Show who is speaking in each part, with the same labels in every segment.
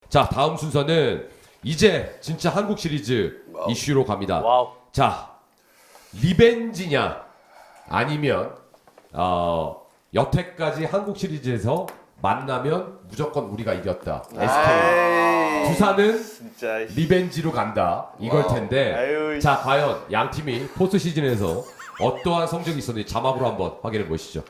Speaker 1: 자, 다음 순서는 이제 진짜 한국 시리즈 이슈로 갑니다.
Speaker 2: 와우.
Speaker 1: 자, 리벤지냐 아니면 여태까지 한국 시리즈에서 만나면 무조건 우리가 이겼다. SK. 두산은
Speaker 3: 진짜.
Speaker 1: 리벤지로 간다. 이걸 텐데.
Speaker 3: 아유,
Speaker 1: 자, 과연 양 팀이 포스트 시즌에서 어떠한 성적이 있었는지 자막으로 한번 확인해 보시죠.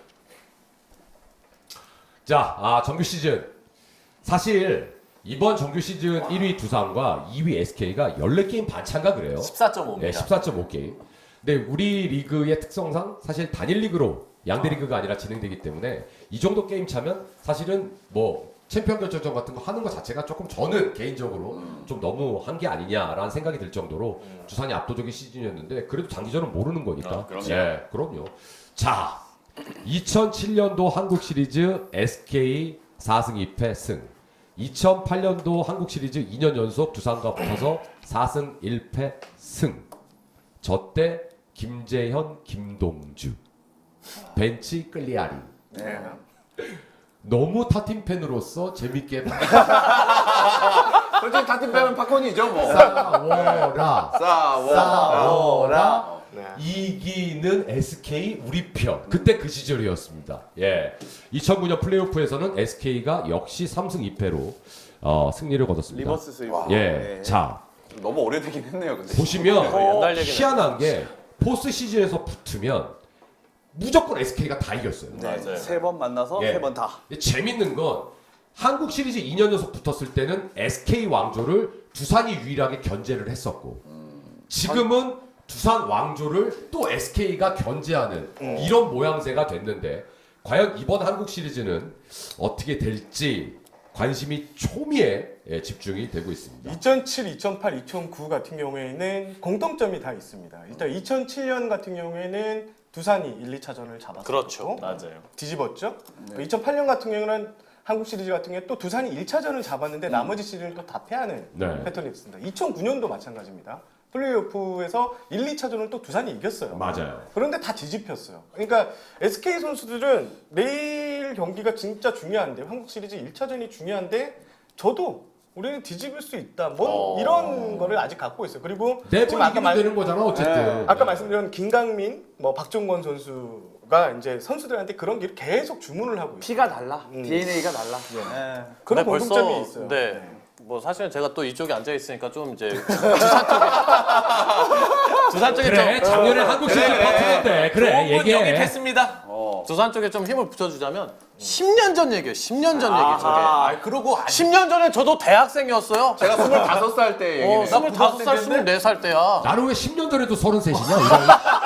Speaker 1: 자, 정규 시즌. 사실 이번 정규 시즌 1위 두산과 2위 SK가 14게임 반차인가 그래요.
Speaker 2: 14.5입니다.
Speaker 1: 네, 14.5게임. 근데 우리 리그의 특성상 사실 단일 리그로 양대 리그가 아니라 진행되기 때문에 이 정도 게임 차면 사실은 뭐 챔피언 결정전 같은 거 하는 것 자체가 조금 저는 개인적으로 좀 너무 한 게 아니냐라는 생각이 들 정도로 두산이 압도적인 시즌이었는데 그래도 장기전은 모르는 거니까.
Speaker 3: 그럼요.
Speaker 1: 네, 그럼요. 자, 2007년도 한국 시리즈 SK 4승 2패 승. 2008년도 한국 시리즈 2년 연속 두산과 붙어서 4승 1패 승. 저 때 김재현, 김동주, 벤치 끌리아리.
Speaker 3: 네.
Speaker 1: 너무 타팀 팬으로서 재밌게
Speaker 3: 솔직히 타팀 빼면 팝콘이죠 뭐.
Speaker 1: 싸워라. 싸워라.
Speaker 3: 네.
Speaker 1: 이기는 SK 우리 편. 그때 그 시절이었습니다. 예. 2009년 플레이오프에서는 SK가 역시 3승 2패로 승리를 거뒀습니다.
Speaker 3: 리버스 스윗.
Speaker 1: 예.
Speaker 3: 네.
Speaker 1: 자,
Speaker 3: 너무 오래되긴 했네요, 근데.
Speaker 1: 보시면
Speaker 2: 옛날 얘기네.
Speaker 1: 희한한 게 포스트 시즌에서 붙으면 무조건 SK가 다 이겼어요.
Speaker 2: 맞아요.
Speaker 3: 세 번 만나서
Speaker 1: 예.
Speaker 3: 세 번 다.
Speaker 1: 재밌는 건 한국 시리즈 2년 연속 붙었을 때는 SK 왕조를 두산이 유일하게 견제를 했었고 지금은 두산 왕조를 또 SK가 견제하는 이런 모양새가 됐는데 과연 이번 한국 시리즈는 어떻게 될지 관심이 초미에 집중이 되고 있습니다.
Speaker 4: 2007, 2008, 2009 같은 경우에는 공통점이 다 있습니다. 일단 2007년 같은 경우에는 두산이 1, 2차전을 잡았었고
Speaker 2: 그렇죠. 맞아요.
Speaker 4: 뒤집었죠. 2008년 같은 경우는 한국 시리즈 같은 경우에 또 두산이 1차전을 잡았는데 나머지 시리즈는 또 다 패하는
Speaker 1: 네.
Speaker 4: 패턴이 있습니다. 2009년도 마찬가지입니다. 플레이오프에서 1, 2차전을 또 두산이 이겼어요.
Speaker 1: 맞아요.
Speaker 4: 그런데 다 뒤집혔어요. 그러니까 SK 선수들은 내일 경기가 진짜 중요한데 한국 시리즈 1차전이 중요한데 저도 우리는 뒤집을 수 있다. 뭐 이런 거를 아직 갖고 있어요. 그리고
Speaker 1: 네번 이기면 되는 거잖아 어쨌든.
Speaker 4: 아까 말씀드린 김강민, 뭐 박종권 선수가 이제 선수들한테 그런 게 계속 주문을 하고 있어요.
Speaker 3: 피가 달라. DNA가 달라.
Speaker 4: 그런
Speaker 2: 근데
Speaker 4: 공통점이 있어요.
Speaker 2: 네. 뭐 사실은 제가 또 이쪽에 앉아 있으니까 좀 이제 두산 쪽에
Speaker 1: 그래, 작년에 한국 시리즈 파트너인데 그래
Speaker 2: 여기
Speaker 1: 얘기해.
Speaker 2: 됐습니다. 두산 쪽에 좀 힘을 붙여주자면 10년 전 얘기예요. 10년 전 얘기 저게.
Speaker 4: 그러고
Speaker 2: 10년 전에 저도 대학생이었어요.
Speaker 3: 제가 25살 때 얘기네요.
Speaker 2: 25살, 24살 때야.
Speaker 1: 나는 왜 10년 전에도 33이냐?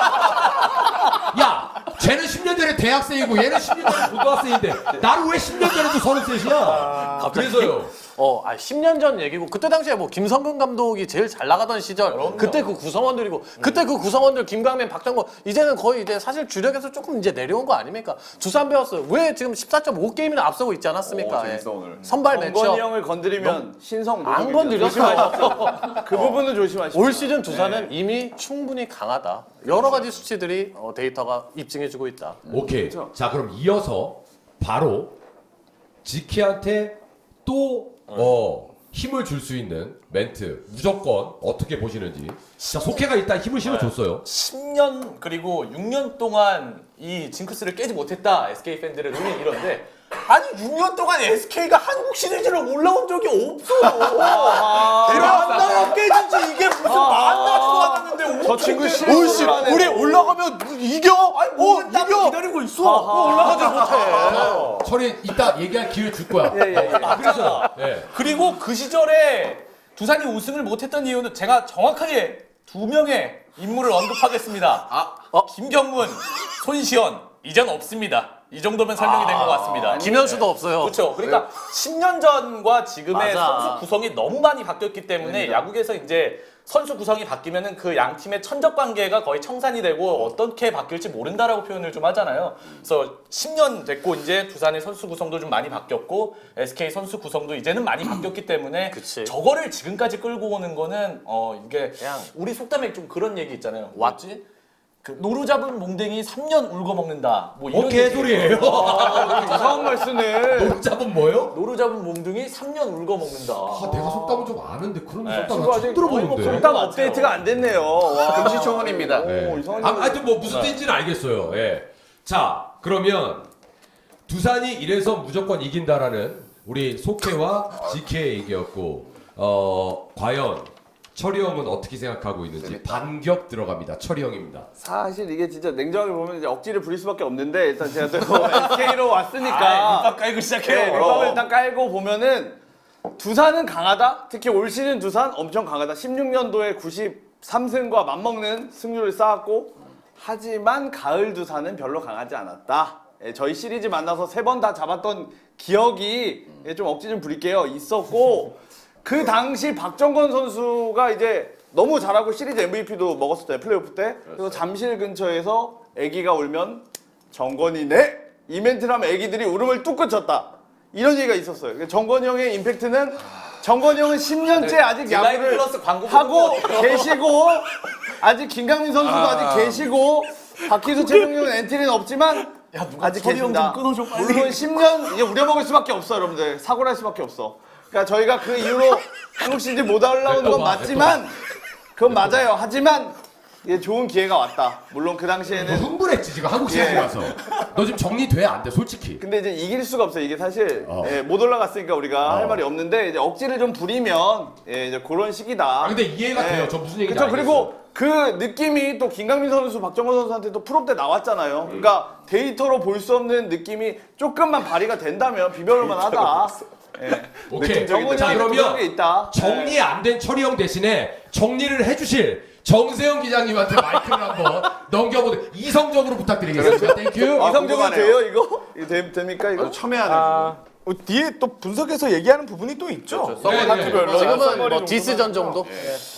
Speaker 1: 야, 쟤는 10년 전에 대학생이고 얘는 10년 전에 고등학생인데 나는 왜 10년 전에도 33이야? 그래서요.
Speaker 2: 10년 전 얘기고 그때 당시에 뭐 김성근 감독이 제일 잘 나가던 시절 그때 그 구성원들이고 그때 그 구성원들 김강민, 박정권 이제는 거의 이제 사실 주력에서 조금 이제 내려온 거 아닙니까? 두산 배웠어요. 왜 지금 14.5게임이나 앞서고 있지 않았습니까?
Speaker 3: 재밌어, 오늘.
Speaker 2: 선발
Speaker 3: 정건이
Speaker 2: 매치업
Speaker 3: 형을 건드리면 신성
Speaker 2: 안
Speaker 3: 노동이죠.
Speaker 2: 건드렸어.
Speaker 3: 그 부분은 조심하십시오.
Speaker 2: 올 시즌 두산은 이미 충분히 강하다. 여러 가지 수치들이 데이터가 입증해주고 있다.
Speaker 1: 오케이.
Speaker 3: 그렇죠.
Speaker 1: 자, 그럼 이어서 바로 지키한테 또 힘을 줄 수 있는 멘트 무조건 어떻게 보시는지. 자, 속해가 일단 힘을 실어줬어요.
Speaker 5: 10년 그리고 6년 동안 이 징크스를 깨지 못했다 SK 팬들의 눈이 이런데 아니 6년 동안 SK가 한국 시리즈를 올라온 적이 없어요. 만나면 깨지지 이게 무슨 만나지도 않았는데
Speaker 3: 저 친구
Speaker 5: 어떻게
Speaker 3: 시리즈
Speaker 2: 우리 올라가면 이겨?
Speaker 5: 아니 이겨 기다리고 있어.
Speaker 2: 올라가지 못해.
Speaker 1: 철이 이따 얘기할 기회 줄 거야.
Speaker 5: 그래서 그리고 그 시절에 두산이 우승을 못했던 이유는 제가 정확하게 두 명의 인물을 언급하겠습니다. 김경문, 손시현 이젠 없습니다. 이 정도면 설명이 된 것 같습니다.
Speaker 2: 김현수도 없어요.
Speaker 5: 그렇죠. 그러니까 10년 전과 지금의
Speaker 2: 맞아.
Speaker 5: 선수 구성이 너무 많이 바뀌었기 때문에 야구에서 이제 선수 구성이 바뀌면은 그 양 팀의 천적 관계가 거의 청산이 되고 어떻게 바뀔지 모른다라고 표현을 좀 하잖아요. 그래서 10년 됐고 이제 두산의 선수 구성도 좀 많이 바뀌었고 SK 선수 구성도 이제는 많이 바뀌었기 때문에
Speaker 2: 그치.
Speaker 5: 저거를 지금까지 끌고 오는 거는 이게
Speaker 2: 그냥
Speaker 5: 우리 속담에 좀 그런 얘기 있잖아요.
Speaker 2: 왔지?
Speaker 5: 그 노루 잡은 몽댕이 3년 울고 먹는다. 뭐 이런
Speaker 1: 개소리예요.
Speaker 3: 이상한 말 쓰네.
Speaker 1: 노루 잡은 뭐요?
Speaker 5: 노루 잡은 몽둥이 3년 울고 먹는다.
Speaker 1: 아, 내가 속담은 좀 아는데 그런 속담
Speaker 3: 친구
Speaker 1: 나
Speaker 3: 아직
Speaker 1: 처음 들어보는데.
Speaker 3: 속담 업데이트가 안 됐네요. 와.
Speaker 2: 금시초문입니다.
Speaker 1: 네.
Speaker 3: 이상한
Speaker 1: 하여튼 뭐 무슨 뜻인지는 알겠어요. 예. 자, 그러면 두산이 이래서 무조건 이긴다라는 우리 속해와 GK의 얘기였고, 과연 철이 형은 어떻게 생각하고 있는지 반격 들어갑니다. 철이 형입니다.
Speaker 3: 사실 이게 진짜 냉정하게 보면 이제 억지를 부릴 수밖에 없는데 일단 제가 또 SK로 왔으니까
Speaker 5: 밑밥 깔고 시작해요.
Speaker 3: 네, 밑밥을 일단 깔고 보면은 두산은 강하다. 특히 올 시즌 두산 엄청 강하다. 16년도에 93승과 맞먹는 승률을 쌓았고 하지만 가을 두산은 별로 강하지 않았다. 예, 저희 시리즈 만나서 3번 다 잡았던 기억이 좀 억지 좀 부릴게요. 있었고 그 당시 박정건 선수가 이제 너무 잘하고 시리즈 MVP도 먹었었잖아요. 플레이오프 때. 그래서 잠실 근처에서 애기가 울면 정건이네? 이 멘트를 하면 애기들이 울음을 뚝 쳤다. 이런 얘기가 있었어요. 정건이 형의 임팩트는 정건이 형은 10년째 아직
Speaker 5: 딜라이브
Speaker 3: 야구를
Speaker 5: 플러스 광고
Speaker 3: 하고
Speaker 5: 보는 것 같아요.
Speaker 3: 계시고 아직 김강민 선수도 아직 계시고 박희수 최종용 엔트리는 없지만
Speaker 5: 야, 누가
Speaker 3: 아직
Speaker 5: 철이 형
Speaker 3: 계신다.
Speaker 5: 좀 끊어줘, 빨리.
Speaker 3: 물론 10년 이제 우려먹을 수밖에 없어 여러분들. 사고를 할 수밖에 없어. 그러니까 저희가 그 이후로 한국 시리즈 못 올라오는 건 맞지만 그건 맞아요. 하지만 이게 좋은 기회가 왔다. 물론 그
Speaker 1: 너
Speaker 3: 당시에는
Speaker 1: 흥분했지 지금 한국 시리즈
Speaker 3: 예.
Speaker 1: 가서. 너 지금 정리돼 안 돼 솔직히.
Speaker 3: 근데 이제 이길 수가 없어요. 이게 사실
Speaker 1: 어.
Speaker 3: 예, 못 올라갔으니까 우리가 할 말이 없는데 이제 억지를 좀 부리면 예, 이제 그런 시기다.
Speaker 1: 아, 근데 이해가 돼요. 저 무슨 얘기인지
Speaker 3: 그렇죠.
Speaker 1: 알겠어요.
Speaker 3: 그리고 그 느낌이 또 김강민 선수, 박정건 선수한테 또 프로 때 나왔잖아요. 그러니까 데이터로 볼 수 없는 느낌이 조금만 발휘가 된다면 비벼볼만 하다. 예.
Speaker 1: 오케이.
Speaker 3: 정훈이
Speaker 1: 자
Speaker 3: 형이 그런
Speaker 1: 그러면
Speaker 3: 게 있다.
Speaker 1: 정리 안 된 철이 형 대신에 정리를 해주실 정세영 기자님한테 마이크를 한번 넘겨보도록 이성적으로 부탁드리겠습니다. 땡큐.
Speaker 3: 이성적으로
Speaker 2: 궁금하네요.
Speaker 3: 돼요 이거? 이거 됩니까 이거?
Speaker 2: 첨예하네요.
Speaker 4: 뒤에 또 분석해서 얘기하는 부분이 또 있죠.
Speaker 1: 네,
Speaker 4: 파트별로.
Speaker 2: 지금은 뭐
Speaker 4: 정도는
Speaker 2: 디스전
Speaker 4: 하죠.
Speaker 2: 정도?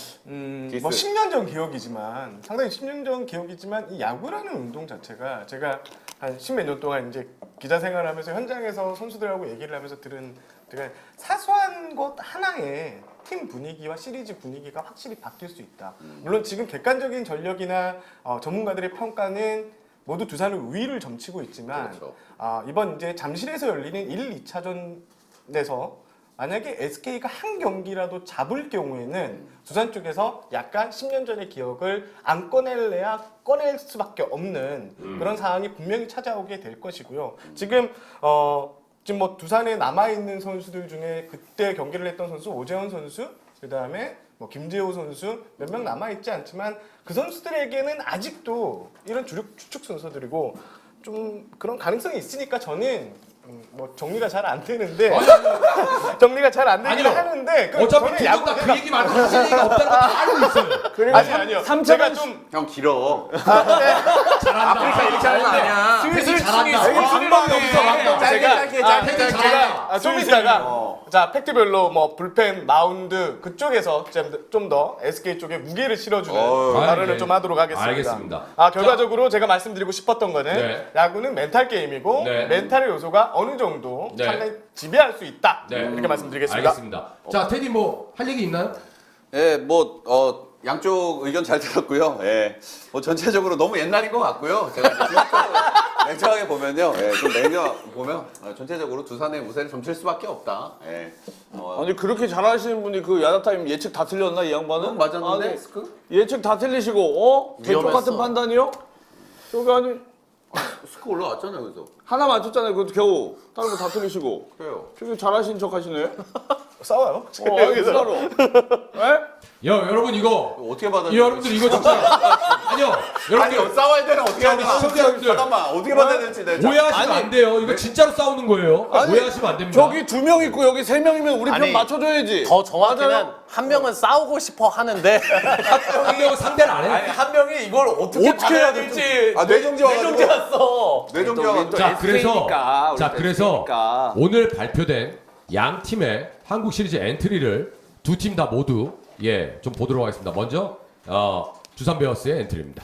Speaker 4: 뭐 10년 전 기억이지만 상당히 10년 전 기억이지만 이 야구라는 운동 자체가 제가 한 10몇 년 동안 이제 기자 생활하면서 현장에서 선수들하고 얘기를 하면서 들은 제가 사소한 것 하나에 팀 분위기와 시리즈 분위기가 확실히 바뀔 수 있다. 물론 지금 객관적인 전력이나 전문가들의 평가는 모두 두산을 우위를 점치고 있지만
Speaker 2: 그렇죠.
Speaker 4: 이번 이제 잠실에서 열리는 1, 2차전에서 만약에 SK가 한 경기라도 잡을 경우에는 두산 쪽에서 약간 10년 전의 기억을 안 꺼낼래야 꺼낼 수밖에 없는 그런 상황이 분명히 찾아오게 될 것이고요. 지금 뭐 두산에 남아 있는 선수들 중에 그때 경기를 했던 선수 오재원 선수, 그다음에 뭐 김재호 선수 몇 명 남아 있지 않지만 그 선수들에게는 아직도 이런 주력 추측 선수들이고 좀 그런 가능성이 있으니까 저는 뭐 정리가 잘 안 되는데 정리가 잘 안 되긴
Speaker 1: 아니요.
Speaker 4: 하는데
Speaker 1: 어차피 두분 다그 얘기 말고 하실 얘기가 없다는 거 다 알고 있어요.
Speaker 4: 아니요. 제가 좀
Speaker 2: 형 길어.
Speaker 1: 잘한다.
Speaker 2: 아프리카 이렇게 하는 거 아니야.
Speaker 1: 슬슬 잘한다.
Speaker 4: 방법이 없어, 방법.
Speaker 1: 제가
Speaker 4: 좀 이따가 자 팩트별로 뭐 불펜, 마운드 그쪽에서 좀 더 SK 쪽에 무게를 실어주는 발언을 좀 하도록 하겠습니다.
Speaker 1: 알겠습니다.
Speaker 4: 결과적으로 제가 말씀드리고 싶었던 거는
Speaker 1: 네.
Speaker 4: 야구는 멘탈 게임이고
Speaker 1: 네.
Speaker 4: 멘탈의 요소가 어느 정도
Speaker 1: 네.
Speaker 4: 상당히 지배할 수 있다.
Speaker 1: 네.
Speaker 4: 이렇게 말씀드리겠습니다.
Speaker 1: 알겠습니다. 자 테디 뭐 할 얘기 있나요?
Speaker 2: 예, 뭐 양쪽 의견 잘 들었고요. 예, 뭐 전체적으로 너무 옛날인 것 같고요. 제가 냉정하게 보면요, 예, 좀 보면 전체적으로 두산의 우세를 점칠 수밖에 없다. 예,
Speaker 3: 아니 그렇게 잘하시는 분이 그 야자타임 예측 다 틀렸나 이 양반은?
Speaker 2: 맞았는데
Speaker 3: 아니,
Speaker 2: 스크?
Speaker 3: 예측 다 틀리시고 대쪽
Speaker 2: 위험했어.
Speaker 3: 같은 판단이요? 저기 아니
Speaker 2: 스크 올라왔잖아요, 그래서.
Speaker 3: 하나 맞췄잖아요. 그것도 겨우 다른 거 다 틀리시고
Speaker 2: 그래요.
Speaker 3: 저기 잘하신 척 하시네.
Speaker 4: 싸워요.
Speaker 3: 여기서 따로. 예?
Speaker 1: 여러분 이거
Speaker 2: 어떻게 받아?
Speaker 1: 여러분들 이거 진짜 아니요. 여러분들
Speaker 2: 아니 싸워야 되나 어떻게
Speaker 1: 자,
Speaker 2: 해야
Speaker 1: 우리
Speaker 2: 되나?
Speaker 1: 시청자분들.
Speaker 2: 잠깐만 어떻게 받아야 될지 내가.
Speaker 1: 오해하시면 안 돼요. 이거 진짜로 싸우는 거예요.
Speaker 3: 아니,
Speaker 1: 오해하시면 안 됩니다.
Speaker 3: 저기 2명 있고 여기 3명이면 우리 편
Speaker 2: 아니,
Speaker 3: 맞춰줘야지.
Speaker 2: 어, 뭐 네. 더
Speaker 3: 맞아요?
Speaker 2: 정확히는 한 명은 싸우고 싶어 하는데
Speaker 1: 한 명은 상대를 안 해.
Speaker 5: 아니 한 명이 이걸 어떻게 받아야 될지
Speaker 2: 아, 뇌정지 와가지고.
Speaker 5: 뇌정지 왔어.
Speaker 2: 뇌정지
Speaker 3: 또
Speaker 2: 와가지고.
Speaker 1: 자 그래서
Speaker 3: SK니까, 우리
Speaker 1: 자 그래서
Speaker 3: SK니까.
Speaker 1: 오늘 발표된 양 팀의 한국 시리즈 엔트리를 두 팀 다 모두 좀 보도록 하겠습니다. 먼저 두산 베어스의 엔트리입니다.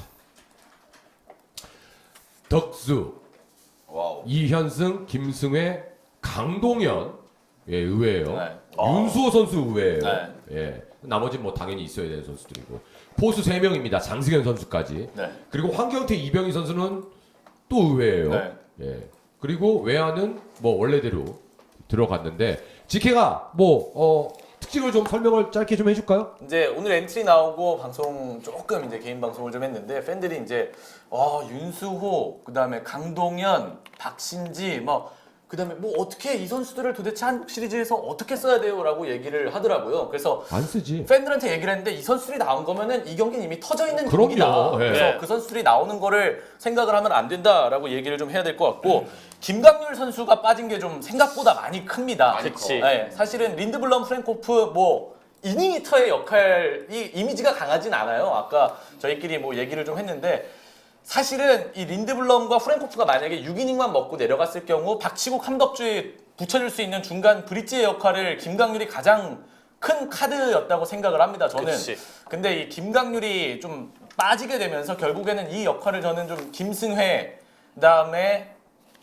Speaker 1: 덕수,
Speaker 2: 와우.
Speaker 1: 이현승, 김승회, 강동현, 예, 의외예요.
Speaker 5: 네.
Speaker 1: 윤수호 선수 의외예요.
Speaker 5: 네.
Speaker 1: 예. 나머지 뭐 당연히 있어야 되는 선수들이고. 포수 3명입니다. 장승현 선수까지.
Speaker 5: 네.
Speaker 1: 그리고 황경태, 이병희 선수는 또 의외예요.
Speaker 5: 네.
Speaker 1: 예. 그리고 외야는 뭐 원래대로 들어갔는데 직혜가 뭐 특징을 좀 설명을 짧게 좀 해줄까요?
Speaker 5: 이제 오늘 엔트리 나오고 방송 조금 이제 개인 방송을 좀 했는데 팬들이 이제 윤수호, 그다음에 강동현, 박신지 그다음에 뭐 어떻게 이 선수들을 도대체 한국 시리즈에서 어떻게 써야 돼요라고 얘기를 하더라고요. 그래서
Speaker 1: 안 쓰지.
Speaker 5: 팬들한테 얘기를 했는데 이 선수들이 나온 거면은 이 경기는 이미 터져 있는
Speaker 1: 그럼요.
Speaker 5: 경기다.
Speaker 1: 예.
Speaker 5: 그래서 그 선수들이 나오는 거를 생각을 하면 안 된다라고 얘기를 좀 해야 될 것 같고 김강률 선수가 빠진 게 좀 생각보다 많이 큽니다.
Speaker 2: 그치.
Speaker 5: 네, 사실은 린드블럼, 프랭코프 이닝 히터의 역할이 이미지가 강하진 않아요. 아까 저희끼리 뭐 얘기를 좀 했는데 사실은 이 린드블럼과 프랭코프가 만약에 6이닝만 먹고 내려갔을 경우 박치고 감독주에 붙여줄 수 있는 중간 브릿지의 역할을 김강률이 가장 큰 카드였다고 생각을 합니다. 저는.
Speaker 2: 그치.
Speaker 5: 근데 이 김강률이 좀 빠지게 되면서 결국에는 이 역할을 저는 좀 김승회 그다음에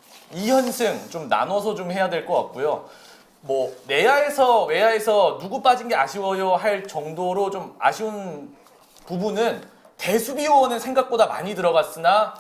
Speaker 5: 이현승 좀 나눠서 좀 해야 될 것 같고요. 뭐 내야에서 외야에서 누구 빠진 게 아쉬워요 할 정도로 좀 아쉬운 부분은 대수비 요원은 생각보다 많이 들어갔으나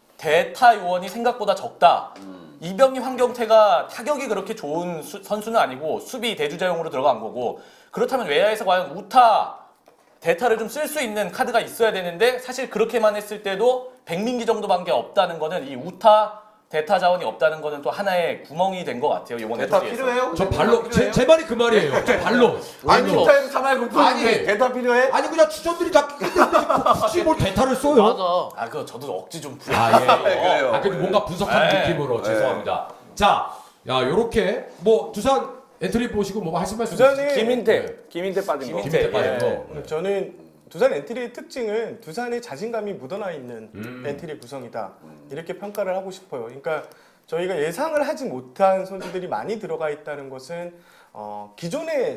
Speaker 5: 대타 요원이 생각보다 적다. 이병희, 황경태가 타격이 그렇게 좋은 선수는 아니고 수비 대주자용으로 들어간 거고 그렇다면 외야에서 과연 우타, 대타를 좀 쓸 수 있는 카드가 있어야 되는데 사실 그렇게만 했을 때도 백민기 정도밖에 없다는 거는 이 우타, 대타 자원이 없다는 거는 또 하나의 구멍이 된 것 같아요. 이번
Speaker 3: 대타
Speaker 5: 시리즈에서.
Speaker 3: 필요해요?
Speaker 1: 저 발로 제 말이 그 말이에요. 저 발로.
Speaker 3: 아니
Speaker 1: 발로.
Speaker 3: 투타에서 3할
Speaker 1: 아니.
Speaker 3: 9푼인데 대타 필요해?
Speaker 1: 아니 그냥 주전들이 다 굳이 뭘 대타를 써요?
Speaker 2: 맞아.
Speaker 5: 그거 저도 억지 좀 부려.
Speaker 1: 아 예.
Speaker 3: 그래요.
Speaker 1: 근데 뭔가 분석하는
Speaker 5: 네.
Speaker 1: 느낌으로 죄송합니다. 자, 요렇게 뭐 두산 엔트리 보시고 뭐 하실 말씀
Speaker 4: 두산이
Speaker 3: 김인태 빠진 거.
Speaker 1: 김인태 빠진 거.
Speaker 4: 저는 두산 엔트리의 특징은 두산의 자신감이 묻어나 있는 엔트리 구성이다 이렇게 평가를 하고 싶어요. 그러니까 저희가 예상을 하지 못한 선수들이 많이 들어가 있다는 것은 기존의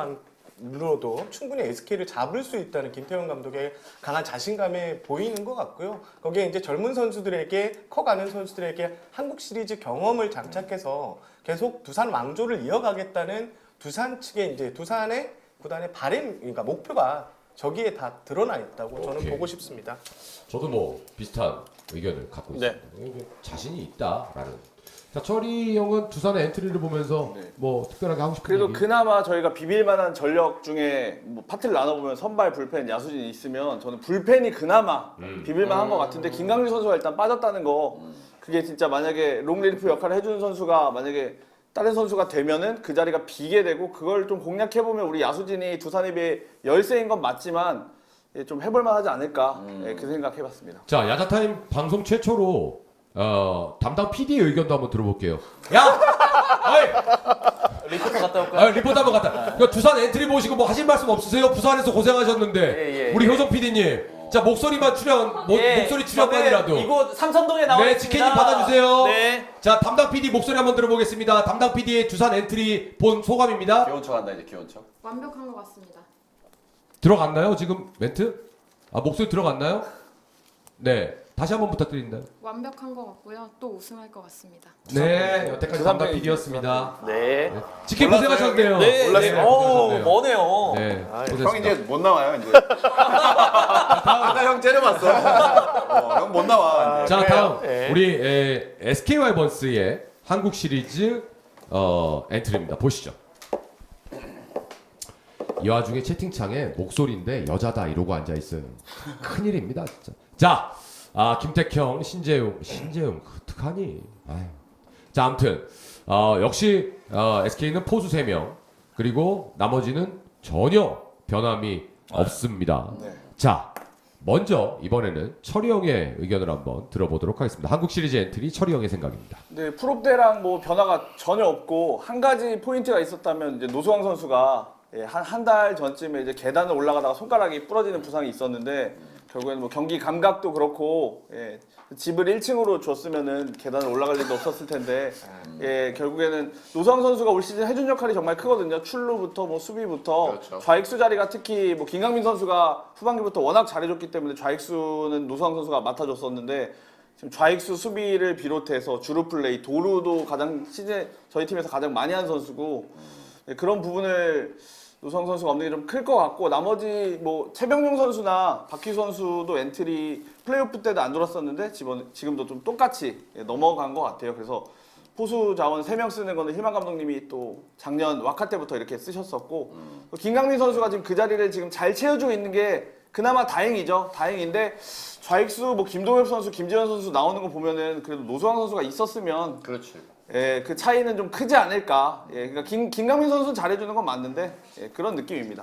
Speaker 4: 전력만으로도 충분히 SK를 잡을 수 있다는 김태형 감독의 강한 자신감에 보이는 것 같고요. 거기에 이제 젊은 선수들에게 커가는 선수들에게 한국 시리즈 경험을 장착해서 계속 두산 왕조를 이어가겠다는 두산 측의 이제 두산의 구단의 바람, 그러니까 목표가 저기에 다 드러나 있다고 저는
Speaker 1: 오케이.
Speaker 4: 보고 싶습니다.
Speaker 1: 저도 뭐 비슷한 의견을 갖고
Speaker 2: 네.
Speaker 1: 있습니다. 자신이 있다라는. 자, 철이 형은 두산의 엔트리를 보면서 뭐 특별하게 하고 싶은
Speaker 3: 그래도
Speaker 1: 얘기?
Speaker 3: 그나마 저희가 비빌만한 전력 중에 뭐 파트를 나눠보면 선발, 불펜, 야수진 있으면 저는 불펜이 그나마 비빌만한 것 같은데 김강률 선수가 일단 빠졌다는 거 그게 진짜 만약에 롱리리프 역할을 해주는 선수가 만약에 다른 선수가 되면은 그 자리가 비게 되고 그걸 좀 공략해보면 우리 야수진이 두산에 비해 열세인 건 맞지만 좀 해볼만 하지 않을까 그 생각해봤습니다.
Speaker 1: 자, 야자타임 방송 최초로 담당 PD의 의견도 한번 들어볼게요. 야! 어이!
Speaker 5: 리포터 갔다 올까요?
Speaker 1: 리포트 한번 갔다. 그러니까 두산 엔트리 보시고 뭐 하실 말씀 없으세요? 부산에서 고생하셨는데.
Speaker 5: 예.
Speaker 1: 우리 효정 PD님. 자, 목소리만 목소리 출연만이라도.
Speaker 5: 저는 이곳 삼성동에 나와
Speaker 1: 네,
Speaker 5: 있습니다.
Speaker 1: 지케님 받아주세요.
Speaker 5: 네.
Speaker 1: 자, 담당 PD 목소리 한번 들어보겠습니다. 담당 PD의 두산 엔트리 본 소감입니다.
Speaker 6: 귀여운 척 한다 이제 귀여운 척.
Speaker 7: 완벽한 것 같습니다.
Speaker 1: 들어갔나요? 지금 멘트? 목소리 들어갔나요? 네. 다시 한번 부탁드립니다.
Speaker 7: 완벽한 것 같고요. 또 우승할 것 같습니다.
Speaker 1: 네, 여태까지 담당 PD였습니다.
Speaker 5: 네.
Speaker 1: 지케 고생하셨네요.
Speaker 5: 네.
Speaker 1: 고생하셨네요.
Speaker 5: 머네요.
Speaker 1: 네.
Speaker 6: 형 이제 못 나와요 이제. 아까 형 째려봤어. 형 못 나와. 이제.
Speaker 1: 자, 다음 우리 SK 와이번스의 한국 시리즈 엔트리입니다. 보시죠. 이 와중에 채팅창에 목소리인데 여자다 이러고 앉아 있어요. 큰일입니다, 진짜. 자, 김택형, 신재웅 어떡하니? 아유. 자, 아무튼 역시 SK는 포수 3명 그리고 나머지는 전혀 변함이 없습니다. 자, 먼저 이번에는 철이 형의 의견을 한번 들어보도록 하겠습니다. 한국 시리즈 엔트리 철이 형의 생각입니다.
Speaker 3: 네, 프롭 때랑 뭐 변화가 전혀 없고 한 가지 포인트가 있었다면 이제 노수왕 선수가 한 달 전쯤에 이제 계단을 올라가다가 손가락이 부러지는 부상이 있었는데 결국에는 뭐 경기 감각도 그렇고 집을 1층으로 줬으면은 계단을 올라갈 일도 없었을 텐데 결국에는 노수왕 선수가 올 시즌 해준 역할이 정말 크거든요. 출루부터 뭐 수비부터
Speaker 6: 그렇죠.
Speaker 3: 좌익수 자리가 특히 뭐 김강민 선수가 후반기부터 워낙 잘해줬기 때문에 좌익수는 노수왕 선수가 맡아줬었는데 지금 좌익수 수비를 비롯해서 주루 플레이, 도루도 가장 시즌 저희 팀에서 가장 많이 한 선수고 네, 그런 부분을 노수광 선수가 없는 게 좀 클 것 같고 나머지 뭐 최병용 선수나 박희수 선수도 엔트리 플레이오프 때도 안 돌았었는데 지금도 좀 똑같이 넘어간 것 같아요. 그래서 포수 자원 3명 쓰는 거는 힐만 감독님이 또 작년 와카 때부터 이렇게 쓰셨었고 또 김강민 선수가 지금 그 자리를 지금 잘 채워주고 있는 게 그나마 다행이죠. 다행인데 좌익수 뭐 김동엽 선수, 김지현 선수 나오는 거 보면은 그래도 노수광 선수가 있었으면
Speaker 6: 그렇지.
Speaker 3: 예, 그 차이는 좀 크지 않을까. 예, 그러니까 김강민 선수는 잘해주는 건 맞는데 예, 그런 느낌입니다.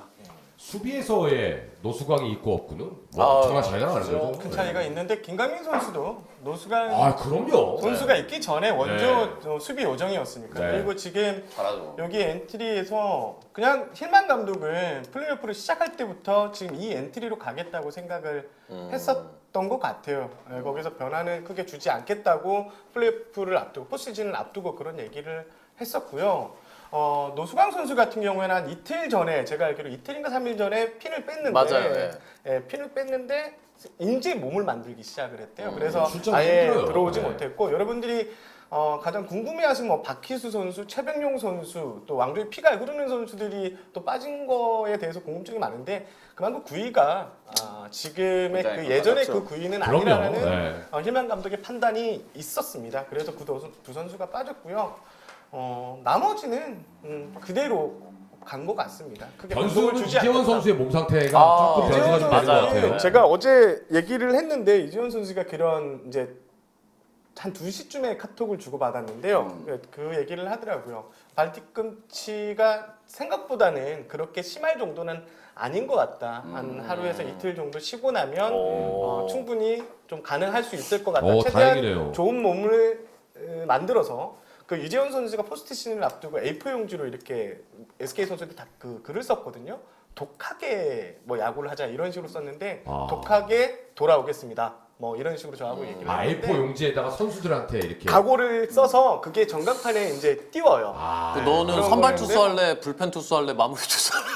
Speaker 1: 수비에서의 노수광이 있고 없고는 뭐 정말 차이가 나는 거죠.
Speaker 4: 큰 차이가 있는데 김강민 선수도 노수광
Speaker 1: 아 그럼요.
Speaker 4: 선수가 있기 전에 원조 수비 요정이었으니까.
Speaker 1: 네.
Speaker 4: 그리고 지금
Speaker 6: 잘하죠.
Speaker 4: 여기 엔트리에서 그냥 힐만 감독은 플레이오프를 시작할 때부터 지금 이 엔트리로 가겠다고 생각을 했었던 것 같아요. 네, 거기서 변화는 크게 주지 않겠다고 플레이오프를 앞두고 포시즌을 앞두고 그런 얘기를 했었고요. 노수광 선수 같은 경우에는 한 이틀 전에 제가 알기로 이틀인가 3일 전에 핀을 뺐는데
Speaker 2: 맞아요, 네.
Speaker 4: 예, 핀을 뺐는데 이제 몸을 만들기 시작을 했대요. 그래서
Speaker 1: 출전이
Speaker 4: 아예
Speaker 1: 힘들어요.
Speaker 4: 들어오지
Speaker 1: 네.
Speaker 4: 못했고 여러분들이 가장 궁금해하신 뭐 박희수 선수, 최병용 선수, 또 왕조의 피가 흐르는 선수들이 또 빠진 거에 대해서 궁금증이 많은데 그만큼 구위가 지금의 그
Speaker 6: 굉장히
Speaker 4: 예전의
Speaker 3: 똑같죠.
Speaker 4: 그 구위는
Speaker 1: 그럼요.
Speaker 4: 아니라는
Speaker 1: 네.
Speaker 4: 힐만 감독의 판단이 있었습니다. 그래서 두 선수가 빠졌고요. 나머지는 그대로 간 것 같습니다. 크게 변동을
Speaker 1: 변수는
Speaker 4: 주지
Speaker 1: 이재원
Speaker 4: 않겠다.
Speaker 1: 선수의 몸 상태가 조금 변수가 좀 되는 것 같아요.
Speaker 4: 제가 어제 얘기를 했는데 이재원 선수가 그런 이제 한 2시쯤에 카톡을 주고 받았는데요. 그 얘기를 하더라고요. 발 뒤꿈치가 생각보다는 그렇게 심할 정도는 아닌 것 같다. 한 하루에서 이틀 정도 쉬고 나면 충분히 좀 가능할 수 있을 것 같다. 최대한
Speaker 1: 다행이네요.
Speaker 4: 좋은 몸을 만들어서 그 이재원 선수가 포스트 시즌을 앞두고 A4 용지로 이렇게 SK 선수들 다 그 글을 썼거든요. 독하게 뭐 야구를 하자 이런 식으로 썼는데 독하게 돌아오겠습니다. 뭐 이런 식으로 저하고 얘기를 했는데
Speaker 1: A4 용지에다가 선수들한테 이렇게
Speaker 4: 각오를 써서 그게 전광판에 이제 띄워요.
Speaker 2: 너는
Speaker 4: 그런
Speaker 2: 선발
Speaker 4: 거였는데?
Speaker 2: 투수 할래, 불펜 투수 할래, 마무리 투수 할래.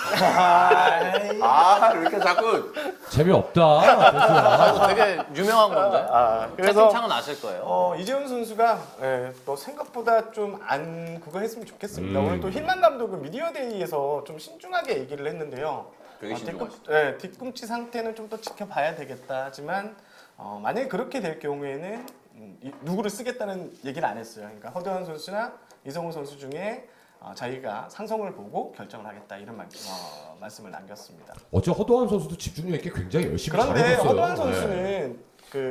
Speaker 6: 아, 왜 이렇게 자꾸
Speaker 1: 재미없다. 대수야.
Speaker 2: 이거 되게 유명한 건데.
Speaker 4: 그래서
Speaker 2: 채팅창은 아실 거예요.
Speaker 4: 이재훈 선수가 또 생각보다 좀 안 그거 했으면 좋겠습니다. 오늘 또 힐만 감독은 미디어데이에서 좀 신중하게 얘기를 했는데요.
Speaker 6: 되게 신중하시죠.
Speaker 4: 뒤꿈치 상태는 좀 더 지켜봐야 되겠다 하지만 만약에 그렇게 될 경우에는 누구를 쓰겠다는 얘기를 안 했어요. 그러니까 허대환 선수나 이성우 선수 중에 자기가 상성을 보고 결정을 하겠다 이런 말씀을 남겼습니다.
Speaker 1: 어제 허도한 선수도 집중력 있게 굉장히 열심히
Speaker 4: 그런데
Speaker 1: 잘해줬어요.
Speaker 4: 허도환
Speaker 1: 네.
Speaker 4: 선수는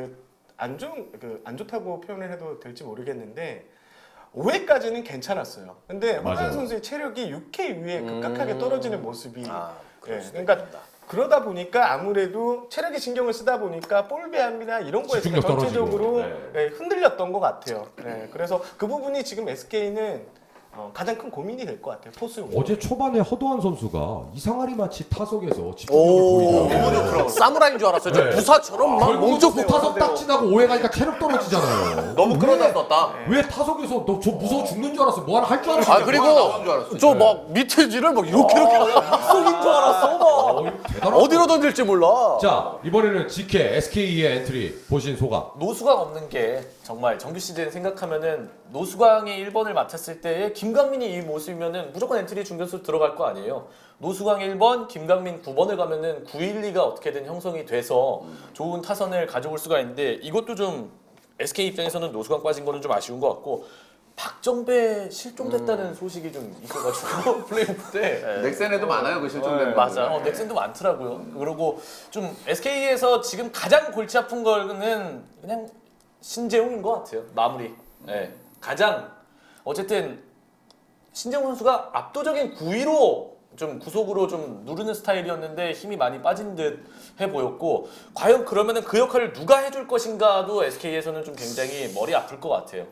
Speaker 4: 안 좋다고 표현을 해도 될지 모르겠는데 5회까지는 괜찮았어요. 근데 허도환
Speaker 1: 맞아요.
Speaker 4: 선수의 체력이 6회 이후에 급격하게 떨어지는 모습이
Speaker 2: 그럴 수도
Speaker 4: 그러니까 그러다 보니까 아무래도 체력에 신경을 쓰다 보니까 볼 배합이나 이런 거에서
Speaker 1: 집중력
Speaker 4: 전체적으로
Speaker 1: 떨어지고.
Speaker 4: 흔들렸던 것 같아요. 그래서 그 부분이 지금 SK는 가장 큰 고민이 될 것 같아요. 포수.
Speaker 1: 어제 초반에 허도한 선수가 이상하리 마치 타석에서 집중력을 보이더라고요.
Speaker 2: 사무라이인 줄 알았어요. 저
Speaker 1: 네.
Speaker 2: 부사처럼 막
Speaker 1: 결국
Speaker 2: 멍쩍
Speaker 1: 타석 딱 지나고 오해 가니까 체력 떨어지잖아요.
Speaker 2: 너무 끌어놨었다.
Speaker 1: 왜 타석에서 너 저 무서워 죽는 줄 알았어. 뭐 하나 할 줄 알았어.
Speaker 2: 아 그리고
Speaker 6: 나온 줄 알았어.
Speaker 2: 저 막 밑에 지를 막 이렇게 속인 줄 알았어. 막
Speaker 1: 대단하다.
Speaker 2: 어디로 던질지 몰라.
Speaker 1: 자 이번에는 GK SK의 엔트리 보신 소감.
Speaker 5: 노수광 없는 게 정말 정규 시즌 생각하면은 노수광이 1번을 맡았을 때에 김강민이 이 모습이면은 무조건 엔트리 중견수 들어갈 거 아니에요. 노수광 1번, 김강민 9번을 가면은 912가 어떻게든 형성이 돼서 좋은 타선을 가져올 수가 있는데 이것도 좀 SK 입장에서는 노수광 빠진 거는 좀 아쉬운 것 같고 박정배 실종됐다는 소식이 좀 있어가지고 플레이오프 때
Speaker 6: 넥센에도 많아요, 그 실종된
Speaker 2: 맞아.
Speaker 5: 넥슨도 많더라고요. 그리고 좀 SK에서 지금 가장 골치 아픈 거는 그냥 신재웅인 것 같아요. 마무리. 네. 가장 어쨌든 신재웅 선수가 압도적인 9위로 좀 구속으로 좀 누르는 스타일이었는데 힘이 많이 빠진 듯 해 보였고 과연 그러면은 그 역할을 누가 해줄 것인가도 SK에서는 좀 굉장히 머리 아플 것 같아요.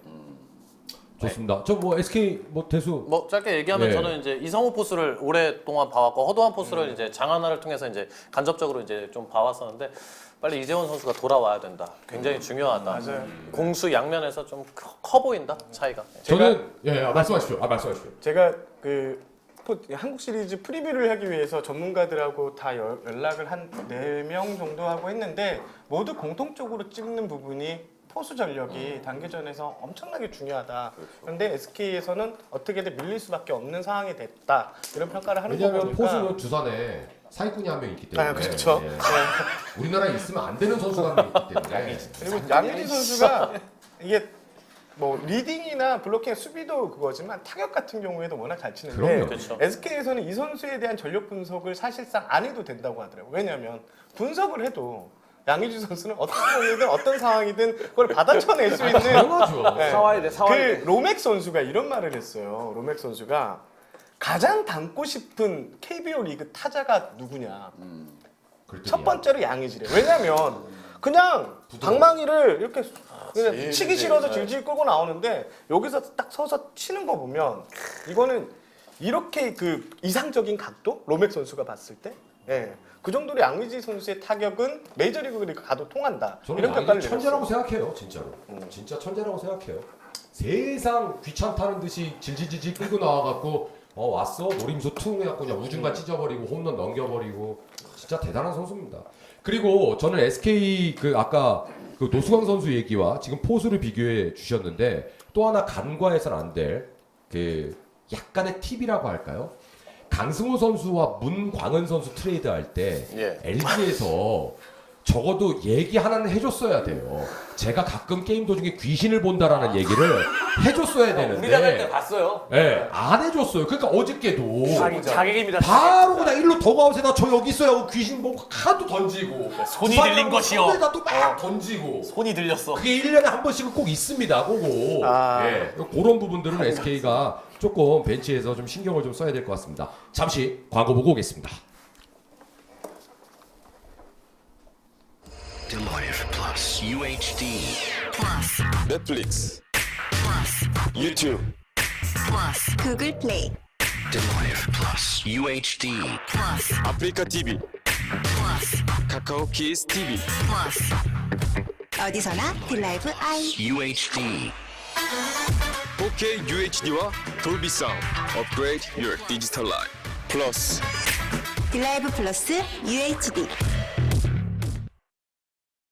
Speaker 1: 좋습니다. 저 뭐 SK 뭐 대수
Speaker 2: 뭐 짧게 얘기하면
Speaker 1: 네.
Speaker 2: 저는 이제 이성우 포스를 오랫동안 봐왔고 허도한 포스를 이제 장하나를 통해서 이제 간접적으로 이제 좀 봐왔었는데 빨리 이재원 선수가 돌아와야 된다. 굉장히 중요하다.
Speaker 4: 맞아요.
Speaker 2: 공수 양면에서 좀 커 보인다 차이가.
Speaker 1: 저는 말씀하십시오. 말씀하십시오.
Speaker 4: 제가 한국 시리즈 프리뷰를 하기 위해서 전문가들하고 다 연락을 한 4명 정도 하고 했는데 모두 공통적으로 찍는 부분이 포수 전력이 단계전에서 엄청나게 중요하다. 그런데 SK에서는 어떻게든 밀릴 수밖에 없는 상황이 됐다. 이런 평가를 하는 거
Speaker 1: 왜냐하면
Speaker 4: 보니까
Speaker 1: 포수는 두산에 사기꾼이 한 명 있기 때문에
Speaker 4: 아, 그렇죠.
Speaker 1: 예. 우리나라에 있으면 안 되는 선수가 한 명 있기 때문에
Speaker 4: 그리고 양의지 선수가 이게 뭐 리딩이나 블로킹 수비도 그거지만 타격 같은 경우에도 워낙 잘 치는데
Speaker 1: 그럼요.
Speaker 2: 그렇죠.
Speaker 4: SK에서는 이 선수에 대한 전력 분석을 사실상 안 해도 된다고 하더라고요. 왜냐하면 분석을 해도 양의지 선수는 어떤 경우든 어떤 상황이든 그걸 받아쳐낼 수 있는
Speaker 1: 당연하죠.
Speaker 4: 네.
Speaker 3: 사와야 돼, 사와야 돼.
Speaker 4: 그 로맥 선수가 이런 말을 했어요. 로맥 선수가 가장 닮고 싶은 KBO 리그 타자가 누구냐.
Speaker 1: 그랬더니
Speaker 4: 첫 번째로 양의지래. 왜냐면 그냥 방망이를 이렇게 그냥 치기 싫어서 질질 끌고 나오는데 여기서 딱 서서 치는 거 보면 이거는 이렇게 그 이상적인 각도 로맥 선수가 봤을 때, 예, 그 정도로 양의지 선수의 타격은 메이저리그 가도 통한다.
Speaker 1: 저는
Speaker 4: 이런 평가를
Speaker 1: 양의지 천재라고
Speaker 4: 내렸어요.
Speaker 1: 생각해요, 진짜로. 진짜 천재라고 생각해요. 세상 귀찮다는 듯이 질질질질 끌고 나와갖고 왔어 노림수 퉁 해갖고 그냥 우중간 찢어버리고 홈런 넘겨버리고 진짜 대단한 선수입니다. 그리고 저는 SK 그 아까 그 노수광 선수 얘기와 지금 포수를 비교해 주셨는데 또 하나 간과해서는 안 될 그 약간의 팁이라고 할까요? 강승호 선수와 문광은 선수 트레이드할 때
Speaker 2: 예.
Speaker 1: LG에서 적어도 얘기 하나는 해줬어야 돼요. 제가 가끔 게임 도중에 귀신을 본다라는 얘기를 해줬어야
Speaker 5: 우리가 갈 때
Speaker 1: 되는데,
Speaker 5: 봤어요.
Speaker 1: 예, 안 해줬어요. 그러니까 어저께도
Speaker 3: 자객입니다.
Speaker 1: 바로 그냥 일로 더가웃에다 저 여기 있어요 하고 귀신 보고 하도 던지고
Speaker 2: 손이 들린 것이요.
Speaker 1: 손에다 또 막 던지고
Speaker 2: 손이 들렸어.
Speaker 1: 그게 1년에 한 번씩은 꼭 있습니다. 그거.
Speaker 4: 아.
Speaker 1: 예. 그런 부분들은 SK가 조금 벤치에서 좀 신경을 좀 써야 될 것 같습니다. 잠시 광고 보고 오겠습니다.
Speaker 8: Deloitte Plus UHD
Speaker 9: 넷플릭스, 유튜브,
Speaker 10: 구글 플레이,
Speaker 8: Deloitte Plus UHD
Speaker 9: 아프리카 TV, 카카오 키스 TV.
Speaker 10: 어디서나 딜라이브 아이.
Speaker 8: UHD
Speaker 9: 4K UHD와 돌비 사운드. Upgrade your digital life. 플러스
Speaker 10: 딜라이브 플러스 UHD.